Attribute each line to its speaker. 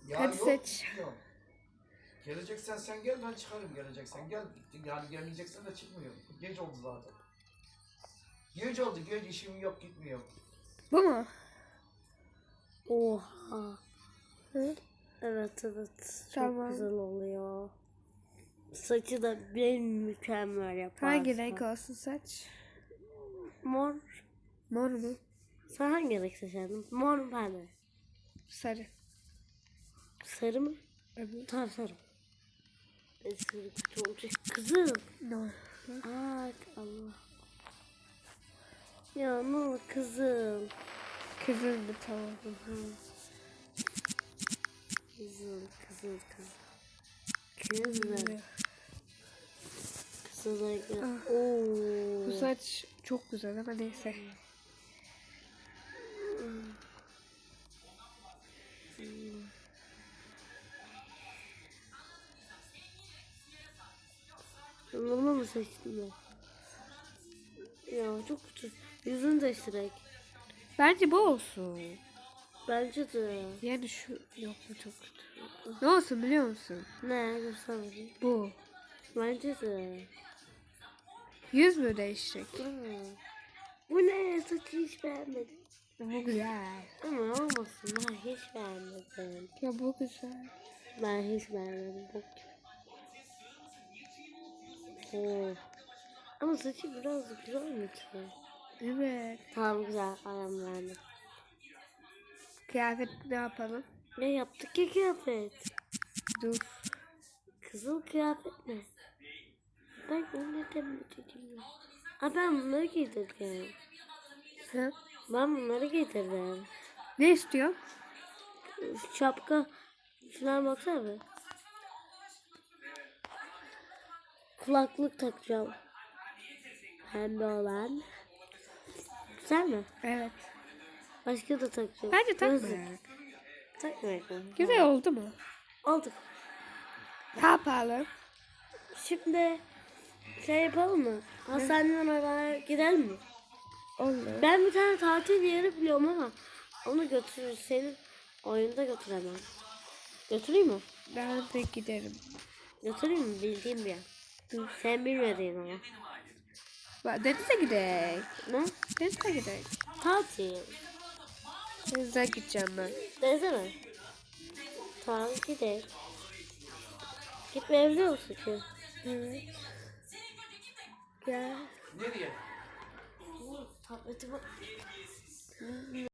Speaker 1: Ya
Speaker 2: Hadi
Speaker 1: yok,
Speaker 2: seç.
Speaker 1: gitmiyorum. Geleceksen sen gel, ben çıkarım. Geleceksen gel. Yani gelmeyeceksen de çıkmıyorum. Geç oldu zaten. Geç oldu, geç, işim yok, gitmiyorum.
Speaker 2: Bu mu?
Speaker 3: Oha.
Speaker 2: Hı?
Speaker 3: Evet evet. Çok
Speaker 2: Tamam.
Speaker 3: güzel oluyor. Saçı da bir mükemmel yaparsın.
Speaker 2: Hangi renk olsun saç?
Speaker 3: Mor.
Speaker 2: Mor mu?
Speaker 3: Sen hangi renk seçerdin? Mor mu pembe?
Speaker 2: Sarı.
Speaker 3: Sarı mı?
Speaker 2: Evet.
Speaker 3: Tamam sarı. Sarı kötü olacak. Kızım.
Speaker 2: No.
Speaker 3: Ay Allah. Ya ne olur kızım.
Speaker 2: Kızıl mı? Tamam.
Speaker 3: Kızım. Kızım. Kızım. Kızım. Oo.
Speaker 2: Bu saç çok güzel ama neyse.
Speaker 3: Bunu mu seçtin ben? Ya çok kötü. Yüzünü değiştirek.
Speaker 2: Bence bu olsun.
Speaker 3: Bence de.
Speaker 2: Yani şu yok bu çok kötü. Ne olsun biliyor musun?
Speaker 3: Ne? Göster bakayım.
Speaker 2: Bu.
Speaker 3: Bence de.
Speaker 2: Yüz mü değişecek?
Speaker 3: Bu ne? Saçı hiç beğenmedim.
Speaker 2: Bu güzel.
Speaker 3: Ama olmasın. Ben hiç beğenmedim.
Speaker 2: Ya bu güzel.
Speaker 3: Ben hiç beğenmedim. Bak. Oo. Ama saçı biraz güzel mi ki?
Speaker 2: Evet.
Speaker 3: Tamam güzel. Ayağım beğendim.
Speaker 2: Kıyafet ne yapalım?
Speaker 3: Ne yaptık ya kıyafet?
Speaker 2: Dur.
Speaker 3: Kızıl kıyafet mi? Ben onu neden mi dedim ya? Aa, ben bunları giydirdim.
Speaker 2: Ha?
Speaker 3: Ben bunları giydirdim.
Speaker 2: Ne istiyor?
Speaker 3: Şapka falan baksana be. Kulaklık takacağım. Pembe olan. Güzel mi?
Speaker 2: Evet.
Speaker 3: Başka da takacağım.
Speaker 2: Bence
Speaker 3: Gözlük.
Speaker 2: takmayak.
Speaker 3: Takmayak mı?
Speaker 2: Güzel oldu mu?
Speaker 3: Olduk.
Speaker 2: Ne yapalım?
Speaker 3: Şimdi şey yapalım mı? Hastaneden oraya gidelim mi?
Speaker 2: Olur.
Speaker 3: Ben bir tane tatil yeri biliyorum ama onu götürür. Senin oyunda götüremem. Götüreyim mi?
Speaker 2: Ben de giderim.
Speaker 3: Götüreyim mi? Bildiğim bir yer. Sen bilmediğin ama.
Speaker 2: Denize gidelim.
Speaker 3: Ne?
Speaker 2: Denize gidelim.
Speaker 3: Tatil.
Speaker 2: Denize gideceğim ben.
Speaker 3: Denize mi? Tamam gidelim. Gitmeyi biliyor musun ki?
Speaker 2: Evet. Gel.
Speaker 1: Nereye?
Speaker 3: Tabletimi